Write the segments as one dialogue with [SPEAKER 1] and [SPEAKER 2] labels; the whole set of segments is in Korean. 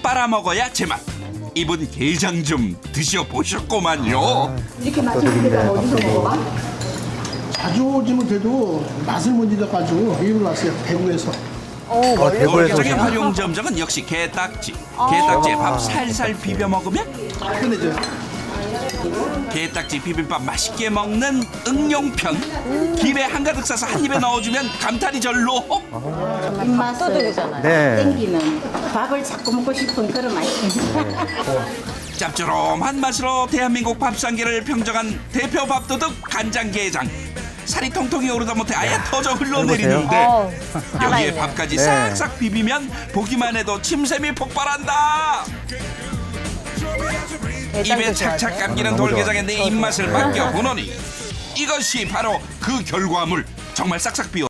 [SPEAKER 1] 빨아먹어야 제맛. 이분 게장 좀 드셔보셨구만요.
[SPEAKER 2] 이렇게 맛있는 데가 어디서 먹어봐?
[SPEAKER 3] 자주 오지 못해도 맛을 못 잊어가지고 여기로 왔어요. 대구에서.
[SPEAKER 4] 대구에서
[SPEAKER 1] 돌게장의
[SPEAKER 4] 오신
[SPEAKER 1] 활용 점정은 역시 게딱지. 게딱지에 밥 살살 비벼 먹으면
[SPEAKER 3] 끝내줘요.
[SPEAKER 1] 게딱지 비빔밥 맛있게 먹는 응용편. 김에 한가득 싸서 한 입에 넣어주면 감탄이 절로.
[SPEAKER 2] 입맛을
[SPEAKER 4] 네.
[SPEAKER 2] 땡기는 밥을 자꾸 먹고 싶은 그런 맛이.
[SPEAKER 1] 짭조름한 맛으로 대한민국 밥상계를 평정한 대표 밥도둑 간장게장. 살이 통통이 오르다 못해 아예 터져 흘러내리는데 여기에 밥까지
[SPEAKER 4] 네.
[SPEAKER 1] 싹싹 비비면 보기만 해도 침샘이 폭발한다. 입에 착착 감기는
[SPEAKER 4] 너무 좋아.
[SPEAKER 1] 돌게장에 내 입맛을 맡겨보노니 이것이 바로 그 결과물. 정말 싹싹 비워.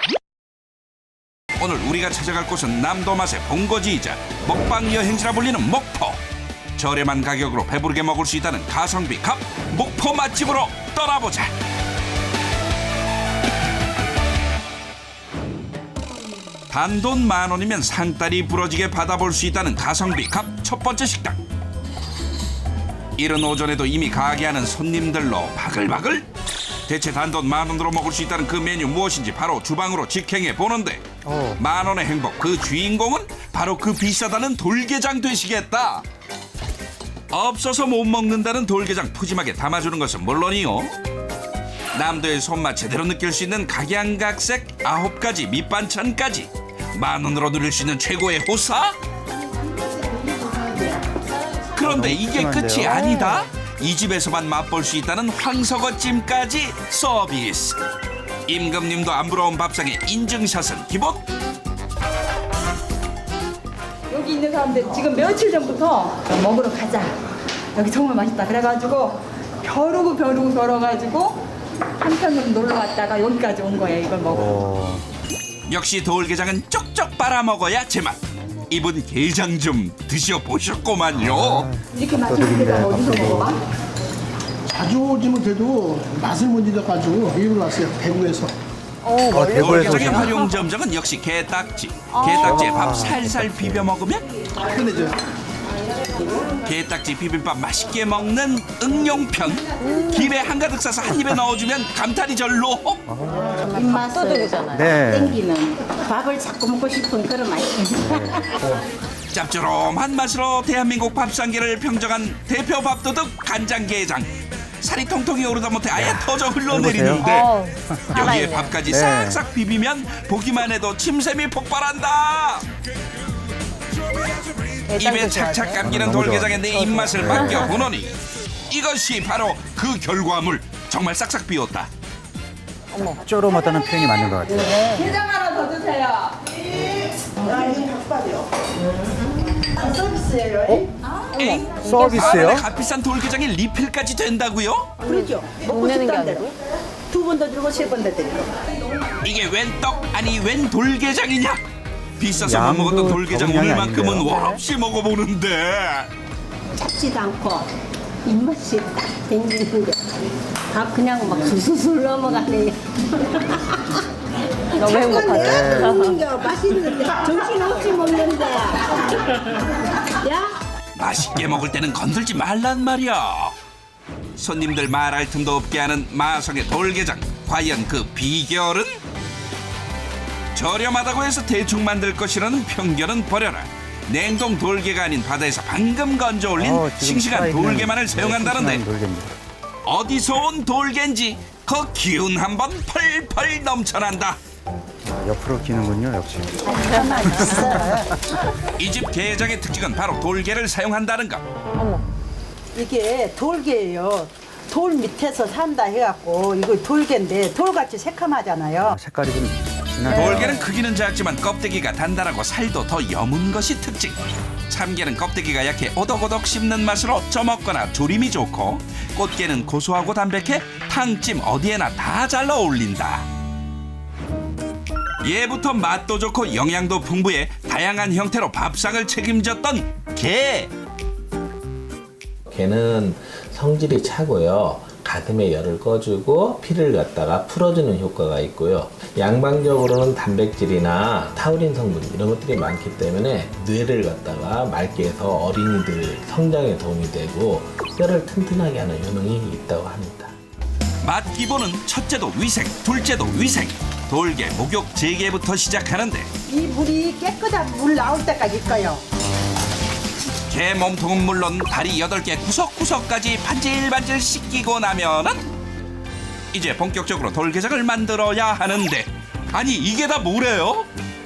[SPEAKER 1] 오늘 우리가 찾아갈 곳은 남도 맛의 본거지이자 먹방 여행지라 불리는 목포. 저렴한 가격으로 배부르게 먹을 수 있다는 가성비 갑 목포 맛집으로 떠나보자. 단돈 10,000원이면 상다리 부러지게 받아볼 수 있다는 가성비 갑 첫 번째 식당. 이른 오전에도 이미 가게 하는 손님들로 바글바글. 대체 단돈 10,000원으로 먹을 수 있다는 그 메뉴 무엇인지 바로 주방으로 직행해 보는데 10,000원의 행복 그 주인공은 바로 그 비싸다는 돌게장 되시겠다. 없어서 못 먹는다는 돌게장 푸짐하게 담아주는 것은 물론이요, 남도의 손맛 제대로 느낄 수 있는 각양각색 9가지 밑반찬까지 10,000원으로 누릴 수 있는 최고의 호사? 그런데 이게 끝이 아니다. 이 집에서만 맛볼 수 있다는 황석어찜까지 서비스. 임금님도 안 부러운 밥상에 인증샷은 기본.
[SPEAKER 2] 여기 있는 사람들 지금 며칠 전부터 먹으러 가자. 여기 정말 맛있다. 그래가지고 벼르고 벼러가지고 한편으로 놀러 왔다가 여기까지 온 거예요. 이걸 먹어.
[SPEAKER 1] 역시 돌게장은 쪽쪽 빨아먹어야 제맛. 이분 게장 좀 드셔보셨구만요.
[SPEAKER 2] 이렇게 맛있는 데가 어디서 먹어봐?
[SPEAKER 3] 자주 오지 못해도 맛을 못 잊어가지고 여기로 왔어요. 대구에서.
[SPEAKER 4] 대구에서
[SPEAKER 1] 돌게장의
[SPEAKER 4] 오신
[SPEAKER 1] 활용 점정은 역시 게딱지. 게딱지에 밥 살살 비벼 먹으면
[SPEAKER 3] 끝내줘요.
[SPEAKER 1] 게딱지 비빔밥 맛있게 먹는 응용편. 김에 한가득 싸서 한 입에 넣어주면 감탄이 절로.
[SPEAKER 2] 입맛을
[SPEAKER 4] 네.
[SPEAKER 2] 땡기는 밥을 자꾸 먹고 싶은 그런 맛이.
[SPEAKER 1] 짭조름한 맛으로 대한민국 밥상계를 평정한 대표 밥도둑 간장게장. 살이 통통이 오르다 못해 아예 터져 흘러내리는데 여기에 밥까지
[SPEAKER 4] 네.
[SPEAKER 1] 싹싹 비비면 보기만 해도 침샘이 폭발한다. 입에 착착 감기는
[SPEAKER 4] 너무 좋아.
[SPEAKER 1] 돌게장에 내 입맛을 맡겨보노니 이것이 바로 그 결과물. 정말 싹싹 비웠다.
[SPEAKER 4] 쪼로마다는 표현이 맞는 것 같아요.
[SPEAKER 2] 게장 하나 더 주세요.
[SPEAKER 1] 에이?
[SPEAKER 4] 서비스요?
[SPEAKER 1] 값비싼 돌게장에 리필까지 된다고요?
[SPEAKER 2] 그러죠. 먹고 싶다는 대로. 두 번 더 주고 세 번 더 드리고.
[SPEAKER 1] 이게 웬 떡 아니 웬 돌게장이냐? 비싸서 못
[SPEAKER 4] 양도
[SPEAKER 1] 먹었던 돌게장
[SPEAKER 4] 적은 양이
[SPEAKER 1] 오늘만큼은
[SPEAKER 4] 아닌데요.
[SPEAKER 1] 원 없이 먹어보는데
[SPEAKER 2] 잡지도 않고 입맛이 딱 땡기는 게. 밥 그냥 막 술술 넘어가네. 너무 행복하다. 내가 먹는 게 맛있는데 정신없이 먹는데. 야?
[SPEAKER 1] 맛있게 먹을 때는 건들지 말란 말이야. 손님들 말할 틈도 없게 하는 마성의 돌게장. 과연 그 비결은? 저렴하다고 해서 대충 만들 것이라는 편견은 버려라. 냉동 돌게가 아닌 바다에서 방금 건져 올린
[SPEAKER 4] 지금
[SPEAKER 1] 싱싱한
[SPEAKER 4] 살아있는
[SPEAKER 1] 돌게만을 사용한다는데
[SPEAKER 4] 싱싱한 돌개입니다.
[SPEAKER 1] 어디서 온 돌게인지 그 기운 한번 펄펄 넘쳐난다.
[SPEAKER 4] 옆으로 기는군요, 역시.
[SPEAKER 1] 이 집 게장의 특징은 바로 돌게를 사용한다는 것.
[SPEAKER 5] 이게 돌개예요. 돌 밑에서 산다 해갖고 이거 돌개인데 돌같이 새카마잖아요.
[SPEAKER 4] 색깔이 좀 진하네요.
[SPEAKER 1] 돌게는 크기는 작지만 껍데기가 단단하고 살도 더 여문 것이 특징. 참게는 껍데기가 약해 오독오독 씹는 맛으로 쪄먹거나 조림이 좋고, 꽃게는 고소하고 담백해 탕찜 어디에나 다 잘 어울린다. 예부터 맛도 좋고 영양도 풍부해 다양한 형태로 밥상을 책임졌던 게.
[SPEAKER 6] 게는 성질이 차고요. 가슴의 열을 꺼주고 피를 갖다가 풀어주는 효과가 있고요. 양방적으로는 단백질이나 타우린 성분 이런 것들이 많기 때문에 뇌를 갖다가 맑게 해서 어린이들 성장에 도움이 되고 뼈를 튼튼하게 하는 효능이 있다고 합니다.
[SPEAKER 1] 맛 기본은 첫째도 위생, 둘째도 위생. 돌게, 목욕, 재개부터 시작하는데
[SPEAKER 5] 이 물이 깨끗한 물 나올 때까지 있어요.
[SPEAKER 1] 개 몸통은 물론 다리 8개 구석구석까지 반질반질 씻기고 나면은 이제 본격적으로 돌게장을 만들어야 하는데 아니 이게 다 뭐래요?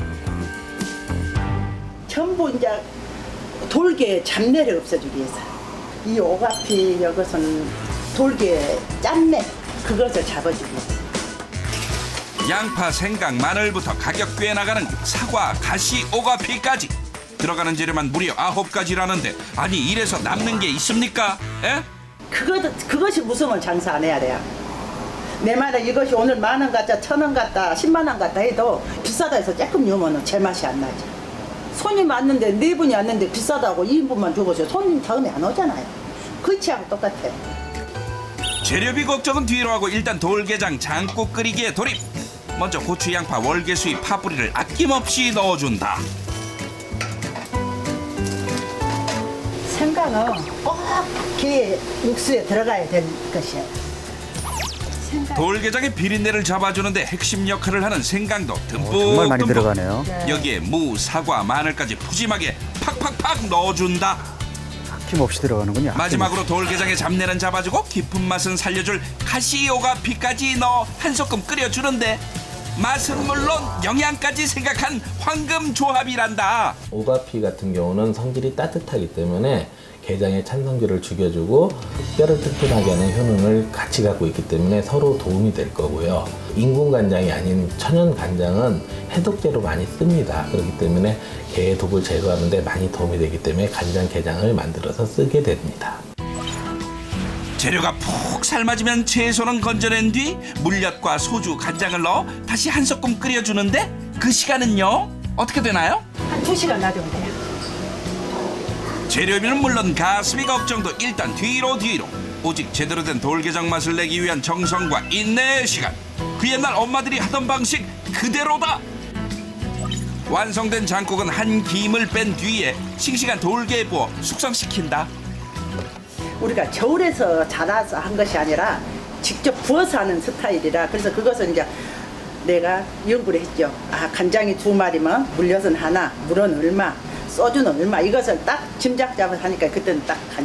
[SPEAKER 5] 전부 이제 돌게 잡내를 없애주기 위해서 이 오가피 이것은 돌게 짠내 그것을 잡아주기 위해서.
[SPEAKER 1] 양파, 생강, 마늘부터 가격 꽤 나가는 사과, 가시, 오가피까지 들어가는 재료만 무려 9가지라는데 아니 이래서 남는 게 있습니까? 에?
[SPEAKER 5] 그것이 무서우면 장사 안 해야 돼요. 내 말은 이것이 오늘 10,000원 같다, 1,000원 같다, 10만 원 같다 해도 비싸다 해서 조금 넣으면 제맛이 안 나지. 손님 왔는데 4분이 왔는데 비싸다고 2인분만 줘보세요. 손님 다음에 안 오잖아요. 그치하고 똑같아.
[SPEAKER 1] 재료비 걱정은 뒤로 하고 일단 돌게장 장국 끓이기에 돌입. 먼저 고추, 양파, 월계수잎, 파뿌리를 아낌없이 넣어준다.
[SPEAKER 5] 생강은 꼭 게 육수에 들어가야 될 것이에요.
[SPEAKER 1] 돌게장의 비린내를 잡아주는데 핵심 역할을 하는 생강도
[SPEAKER 4] 정말 많이
[SPEAKER 1] 듬뿍
[SPEAKER 4] 들어가네요.
[SPEAKER 1] 여기에 무, 사과, 마늘까지 푸짐하게 팍팍팍 넣어준다.
[SPEAKER 4] 아낌없이 들어가는군요.
[SPEAKER 1] 마지막으로 돌게장의 잡내는 잡아주고 깊은 맛은 살려줄 가시오가피까지 넣어 한 소끔 끓여주는데 맛은 물론 영양까지 생각한 황금 조합이란다.
[SPEAKER 6] 오가피 같은 경우는 성질이 따뜻하기 때문에 게장의 찬성질을 죽여주고 뼈를 튼튼하게 하는 효능을 같이 갖고 있기 때문에 서로 도움이 될 거고요. 인공 간장이 아닌 천연 간장은 해독제로 많이 씁니다. 그렇기 때문에 게의 독을 제거하는 데 많이 도움이 되기 때문에 간장 게장을 만들어서 쓰게 됩니다.
[SPEAKER 1] 재료가 푹 삶아지면 채소는 건져낸 뒤 물엿과 소주, 간장을 넣어 다시 한 소끔 끓여주는데 그 시간은요? 어떻게 되나요?
[SPEAKER 5] 한 2시간 놔두면 돼요.
[SPEAKER 1] 재료비는 물론 가스비 걱정도 일단 뒤로 오직 제대로 된 돌게장 맛을 내기 위한 정성과 인내의 시간 그 옛날 엄마들이 하던 방식 그대로다. 완성된 장국은 한 김을 뺀 뒤에 싱싱한 돌게에 부어 숙성시킨다.
[SPEAKER 5] 우리가 겨울에서 자라서 한 것이 아니라 직접 부어서 하는 스타일이라 그래서 그것은 이제 내가 연구를 했죠. 아 간장이 2마리면 물엿은 하나, 물은 얼마, 소주는 얼마 이것을 딱 짐작 잡아서 하니까 그때는 딱 간이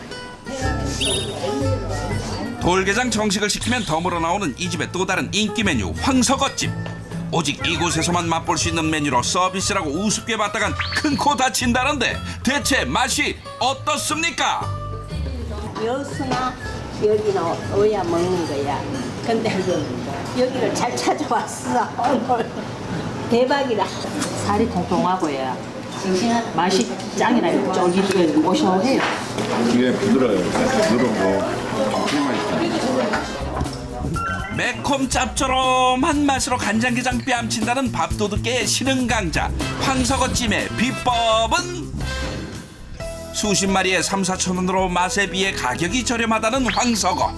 [SPEAKER 5] 맞더라고요.
[SPEAKER 1] 돌게장 정식을 시키면 덤으로 나오는 이 집의 또 다른 인기 메뉴 황석어찜. 오직 이곳에서만 맛볼 수 있는 메뉴로 서비스라고 우습게 봤다간 큰 코 다친다는데 대체 맛이 어떻습니까?
[SPEAKER 7] 여수나 여기는 어야 먹는 거야. 근데 여기를 잘 찾아왔어. 오늘 대박이다. 살이 통통하고요. 싱싱한 맛이 짱이나 쫄깃하게 고소해요.
[SPEAKER 8] 위에 부드러워요. 부드럽고 정말 맛있어요.
[SPEAKER 1] 매콤 짭조름한 맛으로 간장게장 뺨친다는 밥도둑계의 신흥 강자 황석어찜의 비법은 수십 마리에 3-4천 원으로 맛에 비해 가격이 저렴하다는 황석어.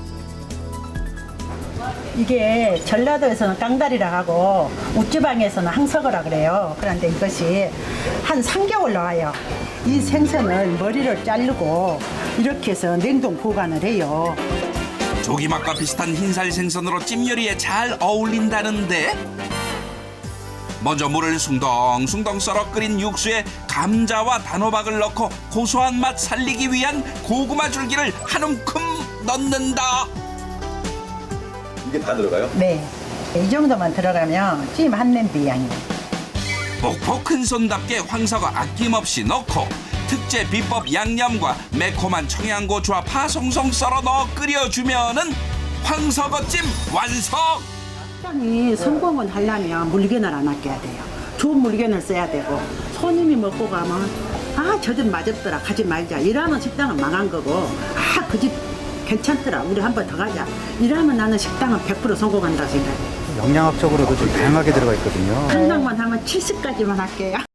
[SPEAKER 5] 이게 전라도에서는 깡다리라 하고 우지방에서는 항석어라 그래요. 그런데 이것이 한 3개월 나와요. 이 생선을 머리를 자르고 이렇게 해서 냉동 보관을 해요.
[SPEAKER 1] 조기맛과 비슷한 흰살 생선으로 찜 요리에 잘 어울린다는데 먼저 물을 숭덩숭덩 썰어 끓인 육수에 감자와 단호박을 넣고 고소한 맛 살리기 위한 고구마 줄기를 한 움큼 넣는다.
[SPEAKER 8] 이게 다 들어가요?
[SPEAKER 5] 네. 이 정도만 들어가면 찜 한 냄비 양이에요.
[SPEAKER 1] 목포 큰손답게 황석어 아낌없이 넣고 특제 비법 양념과 매콤한 청양고추와 파 송송 썰어 넣어 끓여주면은 황석어찜 완성!
[SPEAKER 5] 식당이 성공을 하려면 물건을 안 아껴야 돼요. 좋은 물건을 써야 되고 손님이 먹고 가면 아, 저 집 맛없더라 가지 말자 이러면 식당은 망한 거고 아, 그 집 괜찮더라 우리 한 번 더 가자 이러면 나는 식당은 100% 성공한다고 생각해요.
[SPEAKER 4] 영양학적으로도 좀 다양하게 들어가 있거든요.
[SPEAKER 5] 한강만 하면 70까지만 할게요.